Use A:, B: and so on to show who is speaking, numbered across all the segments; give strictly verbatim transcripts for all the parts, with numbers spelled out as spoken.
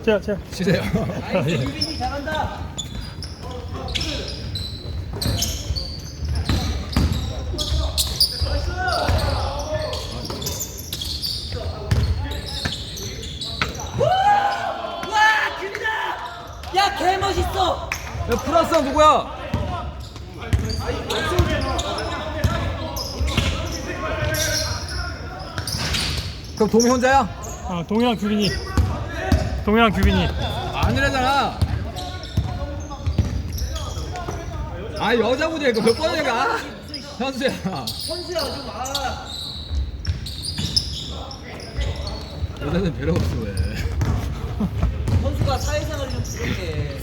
A: 자, 자.
B: 쉬세요.
C: 나이스 유빈이 잘한다. 와 규빈아! 야 개 멋있어.
B: 야, 프랑스 누구야? 그럼 동이 혼자야?
A: 아, 동이랑 규빈이. 동이랑 규빈이.
B: 아니라잖아. 아, 여자분이 이거 몇 번이야? 현수야.
C: 선수야 좀 아.
B: 여자는 배려 없어 왜?
C: 선수가 사회생활이 좀 부족해.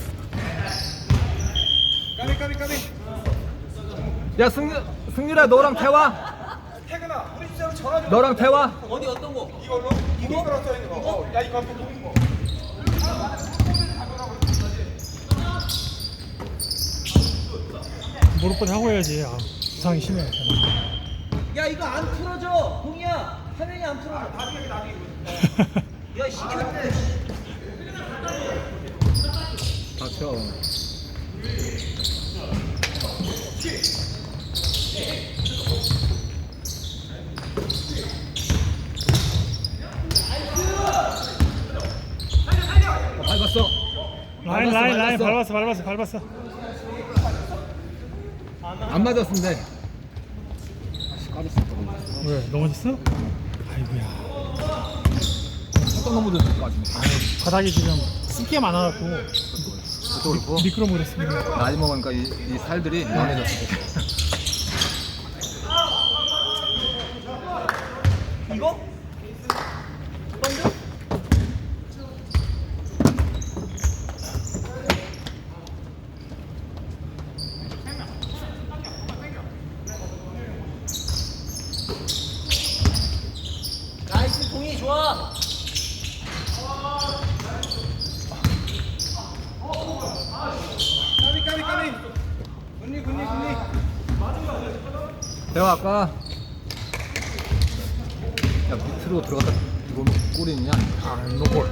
D: 까비 까비 까비.
B: 야, 승 승률아 너랑 태화.
D: 태근아 우리 진짜 전화 좀.
B: 너랑 태화.
C: 어디 어떤 거?
D: 이걸로 이거 거랑 써 있는 거. 어, 야 이거 한번 뭐.
A: 무릎까지 하고 해야지. 아, 부상이 심해.
C: 야 이거 안 틀어져. 동이야 화면이 안 틀어져.
D: 나중에 나중에.
C: 야 시켰네.
B: 닥쳐. 어, 밟았어.
A: 라인, 라인, 라인. 밟았어, 밟았어, 밟았어.
B: 안 맞았는데. 아씨, 까졌어.
A: 왜? 넘어졌어? 아이고야.
B: 살짝 넘어졌을 것 같은데.
A: 아유, 바닥이 지금 습기가 많아갖고
B: 그것도 그렇고.
A: 미끄러버렸습니다.
B: 나이 먹으니까 이, 이 살들이 연해졌어.
C: 이거? 던져? 나이스 동이 좋아.
D: 까비 까비 까비. 군니 군니 군니.
B: 내가 아까 야 밑으로 들어갔다 이거 골이냐?
A: 아, 노골.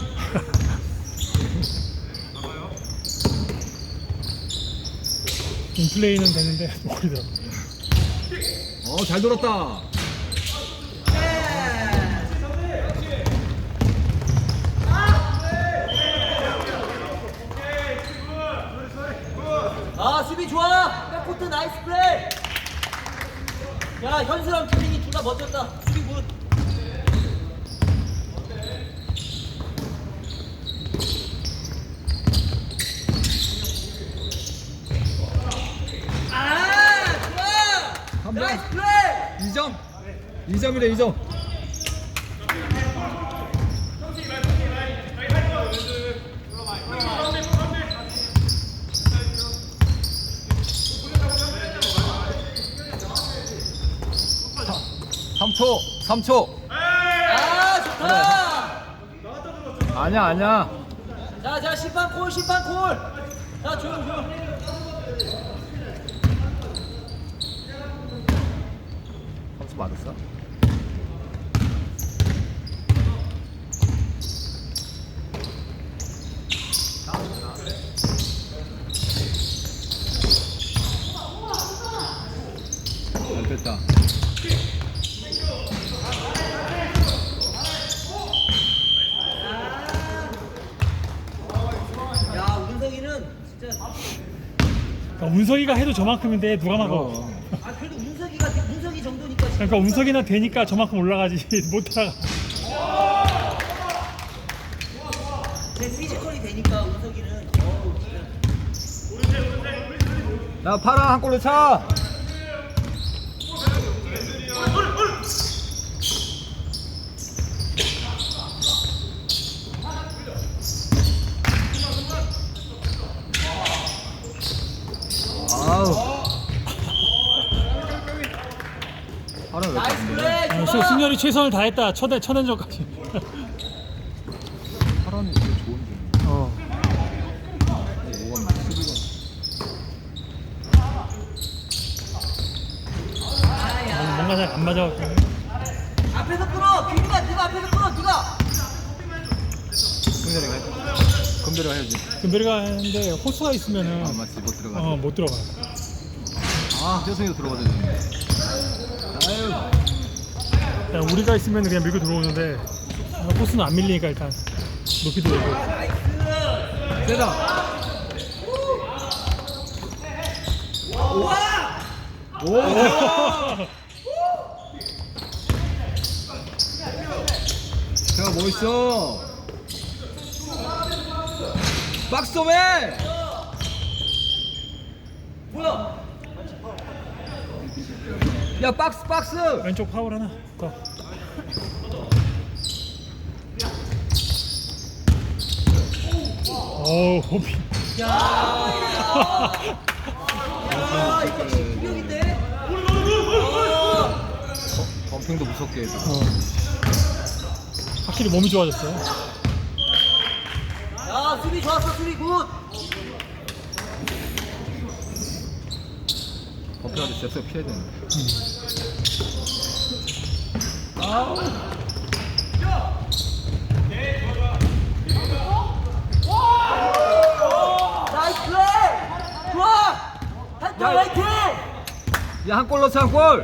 A: 인플레이는 되는데 노골이더라고.
B: 어, 잘 돌았다.
C: 아 수비 좋아. 백코트 나이스 플레이. 야 현수랑 규민이 둘 다 멋졌다. 수비 굿. 아 좋아.
B: 한 번.
C: 나이스 플레이.
B: 이 점. 이 점이래, 이 점. 삼 초, 삼 초.
C: 아 좋다.
B: 아니야, 아니야.
C: 자, 자, 심판 콜, 심판 콜. 자, 조용, 조용.
B: 삼 초 맞았어? 잘 됐다.
C: 야, 운석이는 진짜.
A: 그러니까 운석이가 해도 저만큼인데 누가 막아?
B: 어.
C: 아, 그래도 운석이가 운석이 정도니까. 진짜.
A: 그러니까 운석이나 되니까 저만큼 올라가지 못 따라가.
C: 내 피지컬이 되니까 운석이는. 어우, 진짜.
B: 야, 파랑 한 골로 차. 아우. 파랑 왜
C: 나이스
B: 이렇게
C: 플레이.
A: 어,
C: 좋아.
A: 승열이 최선을 다했다. 첫엔 첫엔전까지.
B: 파랑이 되게 좋은데.
A: 어.
B: 오건
C: 아야.
A: 뭔가 잘 안 맞아.
C: 앞에서 끌어. 규민아, 네가 앞에서 끌어. 네가.
B: 승렬이가 했다. 금배를 해야지.
A: 금베리가 하는데 호수가 있으면은
B: 아 맞지 못 들어가.
A: 어, 못 들어가.
B: 아 떼성이도 들어가야 되는데. 아유.
A: 그냥 우리가 있으면 그냥 밀고 들어오는데 어, 호수는 안 밀리니까 일단 높이 들어오고.
B: 세다. 오. 제가 뭐 있어? 박스맨.
C: 뭐야?
B: 야 박스 박스.
A: 왼쪽 파울 하나 더. 오 호비.
C: 야, 야, 이거 충격인데? 어,
B: 범핑도 무섭게 해서.
A: 어. 확실히 몸이 좋아졌어요.
C: 야, 수비 좋았어, 수비 굿.
B: 범핑한테 잽스 피해야 되는데.
C: 나이스 플레이! 좋아! 한점 화이팅!
B: 야 한 골 넣자 한 골.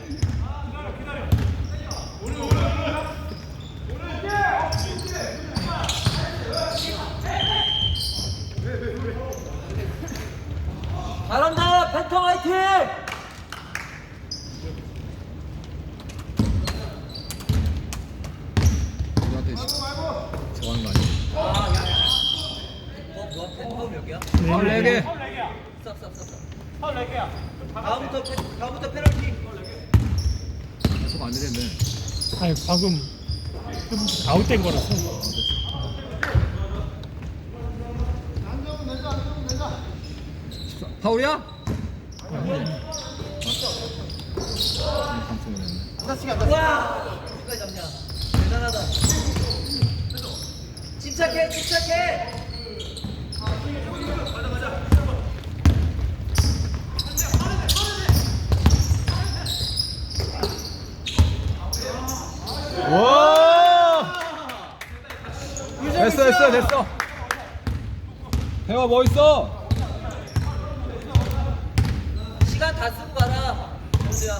C: 잘한다, 팬텀 화이팅!
B: 우리한테 저하는 거 아니야?
C: 어, 뭐야, 팬텀 여기야?
B: 아 네 개.
C: 쌉, 쌉, 쌉, 쌉. 다음부터, 페- 다음부터 페널티.
B: 계속 안 되겠네.
A: 아니 방금 아웃된 거라서.
B: 파울이야?
C: 와! 누가 잡냐? 대단하다. 침착해, 침착해!
B: 와! 됐어 됐어 됐어. 대화 뭐 있어?
C: 시간 다 쓰고 가라, 정수야.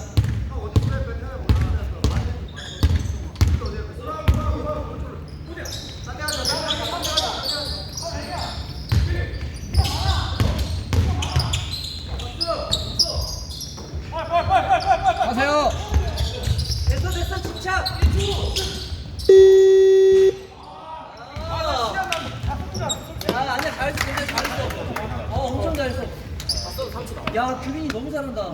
B: 하세요.
C: 됐어, 됐어, 침착! 아, 야, 아니야, 잘했어, 굉장히 잘했어. 어, 엄청 잘했어. 야, 규빈이 너무 잘한다.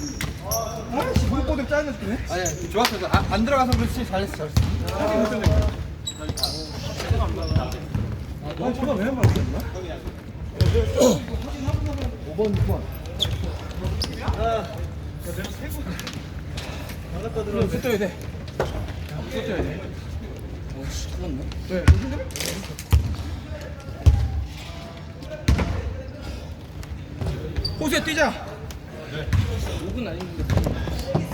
D: 무릎보드 짜는 느낌이네. 아니 좋았어. 아, 안 들어가서 그렇지. 잘했어 잘했어. 아 저거 왜 말했나? 오 번 육 번. 나갔다 들어. 숫자야 돼. 숫자야 돼. 어씨 큰일났네. 왜? 호수에 뛰자. 오 분 아닌데.